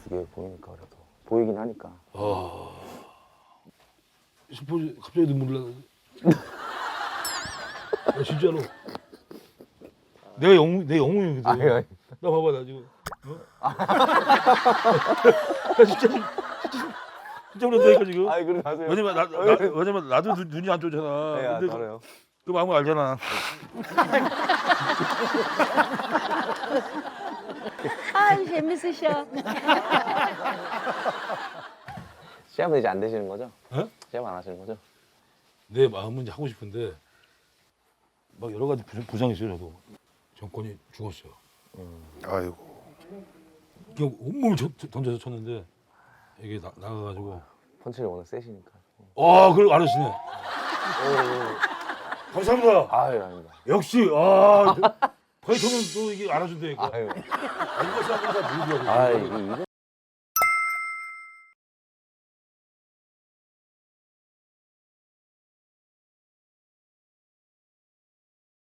그게 보이니까 그래도 보이긴 하니까. 스포츠 갑자기 눈물 나. 진짜로. 내 영웅이거든. 아니. 나 봐봐 나 지금. 나 진짜 그런다니까 지금. 아이 그러지 마세요. 왜냐면 나도 눈이 안 좋잖아. 네, 근데 알아요. 그 마음을 알잖아. 아, 재밌으셔. 시합은 이제 안 되시는 거죠? 어? 시합 안 하시는 거죠? 내 마음은 이제 하고 싶은데 막 여러 가지 부상이 있어요. 저도 정권이 죽었어요. 아이고. 그냥 온몸을 던져서 쳤는데 이게 나가가지고 펀치를 워낙 세시니까. 그걸 알으시네. 감사합니다. 아유 아닙니다. 역시 파이터는 또 이게 알아준다니까. 아유. 이거 사람들 다 모르더라고. 아 이거